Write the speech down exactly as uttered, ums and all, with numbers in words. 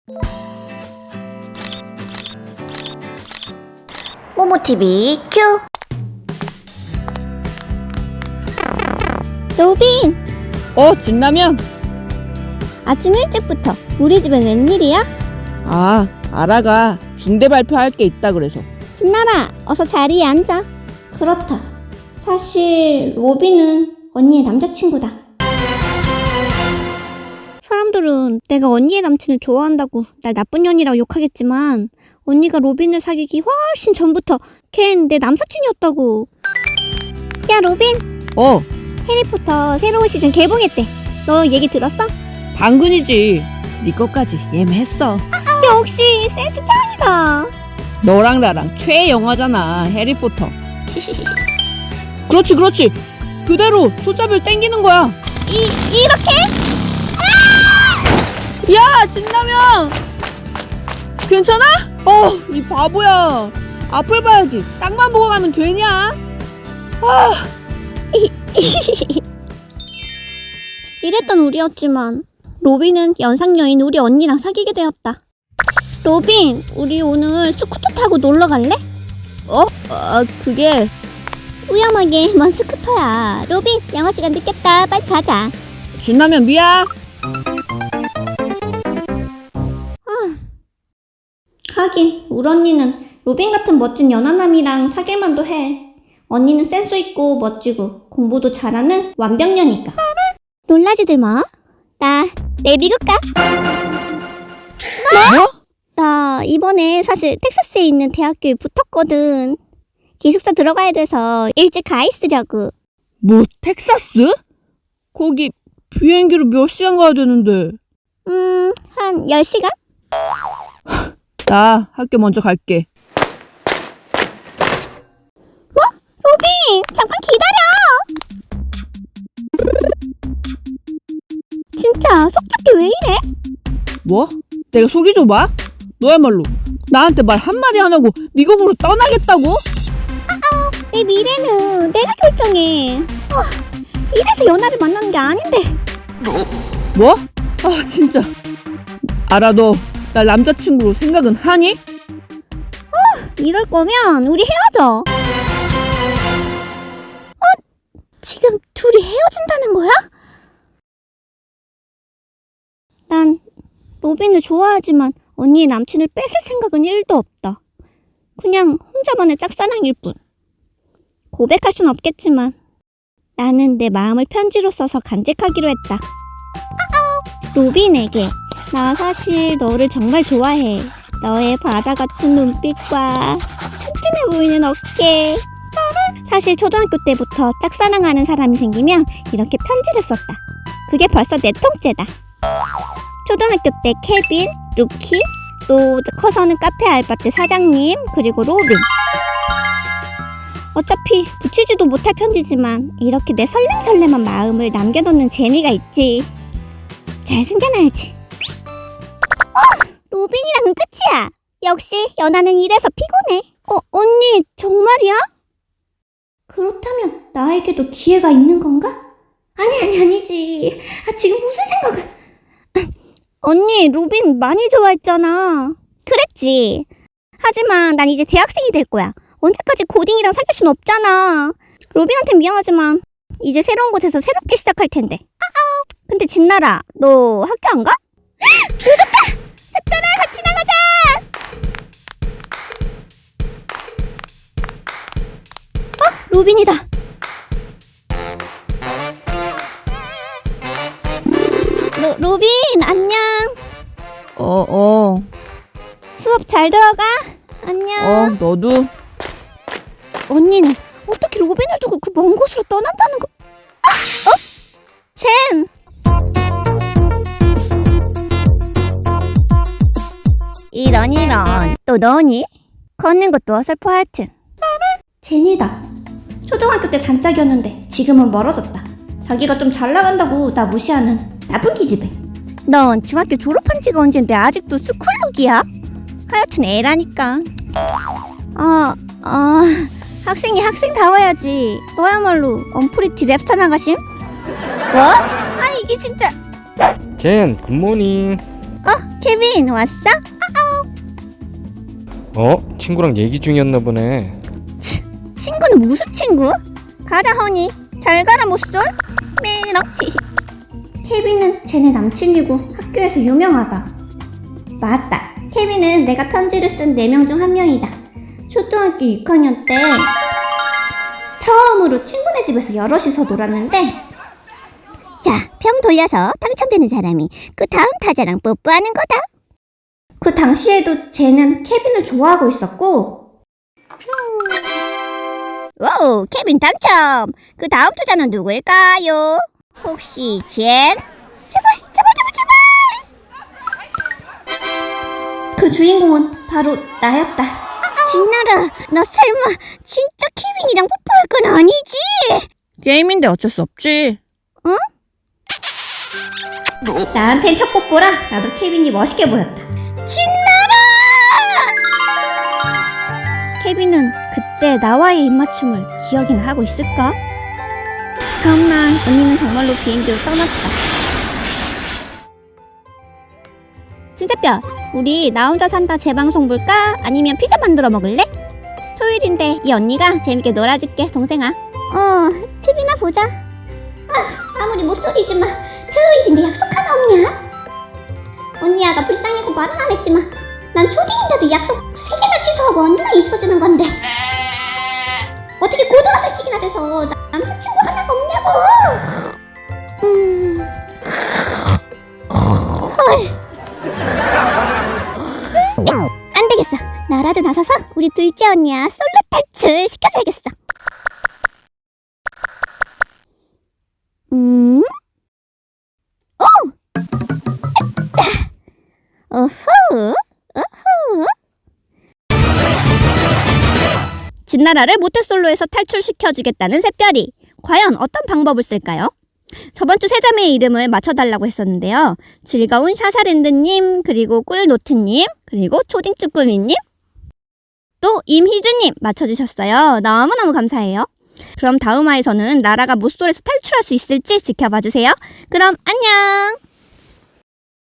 모모티비 큐. 로빈! 어, 진라면? 아침 일찍부터 우리 집엔 웬일이야? 아, 아라가 중대 발표할 게 있다 그래서. 진나라, 어서 자리에 앉아. 그렇다. 사실 로빈은 언니의 남자친구다. 사람들은 내가 언니의 남친을 좋아한다고 날 나쁜 년이라고 욕하겠지만 언니가 로빈을 사귀기 훨씬 전부터 걘 내 남사친이었다고. 야, 로빈! 어, 해리포터 새로운 시즌 개봉했대. 너 얘기 들었어? 당근이지. 네 것까지 예매했어. 역시 센스 짱이다. 너랑 나랑 최애 영화잖아, 해리포터. 그렇지, 그렇지. 그대로 소잡을 땡기는 거야. 이, 이렇게? 야, 진라면! 괜찮아? 어, 이 바보야. 앞을 봐야지. 땅만 보고 가면 되냐? 아, 이랬던 우리였지만 로빈은 연상녀인 우리 언니랑 사귀게 되었다. 로빈, 우리 오늘 스쿠터 타고 놀러 갈래? 어? 아, 그게... 위험하게 먼 스쿠터야. 로빈, 영어 시간 늦겠다. 빨리 가자. 진라면 미야. 하긴 우리 언니는 로빈 같은 멋진 연하남이랑 사귈만도 해. 언니는 센스 있고 멋지고 공부도 잘하는 완벽녀니까. 놀라지들 뭐. 나 내일 미국 가. 뭐? 나 이번에 사실 텍사스에 있는 대학교에 붙었거든. 기숙사 들어가야 돼서 일찍 가 있으려고. 뭐, 텍사스? 거기 비행기로 몇 시간 가야 되는데. 음, 한 열 시간? 나 학교 먼저 갈게. 뭐? 로빈! 잠깐 기다려! 진짜 속잡기 왜 이래? 뭐? 내가 속이 좁아? 너야말로 나한테 말 한마디 안 하고 미국으로 떠나겠다고? 내 미래는 내가 결정해. 아, 이래서 연하를 만나는 게 아닌데. 뭐? 아, 진짜. 알아, 너 날 남자친구로 생각은 하니? 이럴 거면 우리 헤어져. 어? 지금 둘이 헤어진다는 거야? 난 로빈을 좋아하지만 언니의 남친을 뺏을 생각은 일도 없다. 그냥 혼자만의 짝사랑일 뿐. 고백할 순 없겠지만 나는 내 마음을 편지로 써서 간직하기로 했다. 로빈에게 나 사실 너를 정말 좋아해. 너의 바다 같은 눈빛과 튼튼해 보이는 어깨. 사실 초등학교 때부터 짝사랑하는 사람이 생기면 이렇게 편지를 썼다. 그게 벌써 네 통째다. 초등학교 때 케빈, 루키, 또 커서는 카페 알바 때 사장님, 그리고 로빈. 어차피 붙이지도 못할 편지지만 이렇게 내 설렘설렘한 마음을 남겨놓는 재미가 있지. 잘 숨겨놔야지. 어! 로빈이랑은 끝이야. 역시 연하는 이래서 피곤해. 어, 언니 정말이야? 그렇다면 나에게도 기회가 있는 건가? 아니 아니 아니지. 아, 지금 무슨 생각을... 언니 로빈 많이 좋아했잖아. 그랬지. 하지만 난 이제 대학생이 될 거야. 언제까지 고딩이랑 사귈 순 없잖아. 로빈한텐 미안하지만 이제 새로운 곳에서 새롭게 시작할 텐데. 근데 진나라, 너 학교 안 가? 늦었다! 샛별아, 같이 나가자! 어? 로빈이다. 로, 로빈, 안녕. 어, 어. 수업 잘 들어가. 안녕. 어, 너도? 언니는 어떻게 로빈을 두고 그 먼 곳으로 떠난다는 거... 아! 어? 젠! 이런 이런 또 너니? 걷는 것도 어설퍼 하여튼. 젠이다. 초등학교 때 단짝이었는데 지금은 멀어졌다. 자기가 좀 잘 나간다고 나 무시하는 나쁜 기집애. 넌 중학교 졸업한 지가 언젠데 아직도 스쿨룩이야? 하여튼 애라니까. 어... 어... 학생이 학생다워야지. 너야말로 언프리티 랩스타 나가심? 뭐? 아니 이게 진짜... 젠, 굿모닝. 어? 케빈 왔어? 어? 친구랑 얘기 중이었나 보네. 친구는 무슨 친구? 가자 허니. 잘 가라 모쏠. 메롱. 케빈은 쟤네 남친이고 학교에서 유명하다. 맞다. 케빈은 내가 편지를 쓴 네 명 중 한 명이다. 초등학교 육 학년 때 처음으로 친구네 집에서 여럿이서 놀았는데, 자, 평 돌려서 당첨되는 사람이 그 다음 타자랑 뽀뽀하는 거다. 그 당시에도 쟤는 케빈을 좋아하고 있었고. 와우, 케빈 당첨! 그 다음 투자는 누구일까요? 혹시 젠? 제발, 제발, 제발, 제발! 그 주인공은 바로 나였다. 진나라, 너 설마 진짜 케빈이랑 뽀뽀할 건 아니지? 게임인데 어쩔 수 없지. 응? 나한텐 첫 뽀뽀라 나도 케빈이 멋있게 보였다. 진나라! 케빈은 그때 나와의 입맞춤을 기억이나 하고 있을까? 다음날 언니는 정말로 비행기로 떠났다. 진짜뼈, 우리 나 혼자 산다 재방송 볼까? 아니면 피자 만들어 먹을래? 토요일인데 이 언니가 재밌게 놀아줄게, 동생아. 어, 티비나 보자. 아, 아무리 못소리지만 토요일인데 약속 하나 없냐? 언니 아가 불쌍해서 말은 안 했지만 난 초딩인데도 약속 세 개나 취소하고 언니랑 있어주는 건데 어떻게 고등학생씩이나 돼서 나 남자친구 하나가 없냐고. 음... 헐. 안 되겠어. 나라도 나서서 우리 둘째 언니야 솔로 탈출 시켜줘야겠어. 음? 오! 자! 오호! 오호! 진나라를 모태솔로에서 탈출시켜주겠다는 샛별이 과연 어떤 방법을 쓸까요? 저번주 세자매의 이름을 맞춰달라고 했었는데요. 즐거운 샤샤랜드님, 그리고 꿀노트님, 그리고 초딩쭈꾸미님, 또 임희주님 맞춰주셨어요. 너무너무 감사해요. 그럼 다음 화에서는 나라가 모쏠에서 탈출할 수 있을지 지켜봐주세요. 그럼 안녕!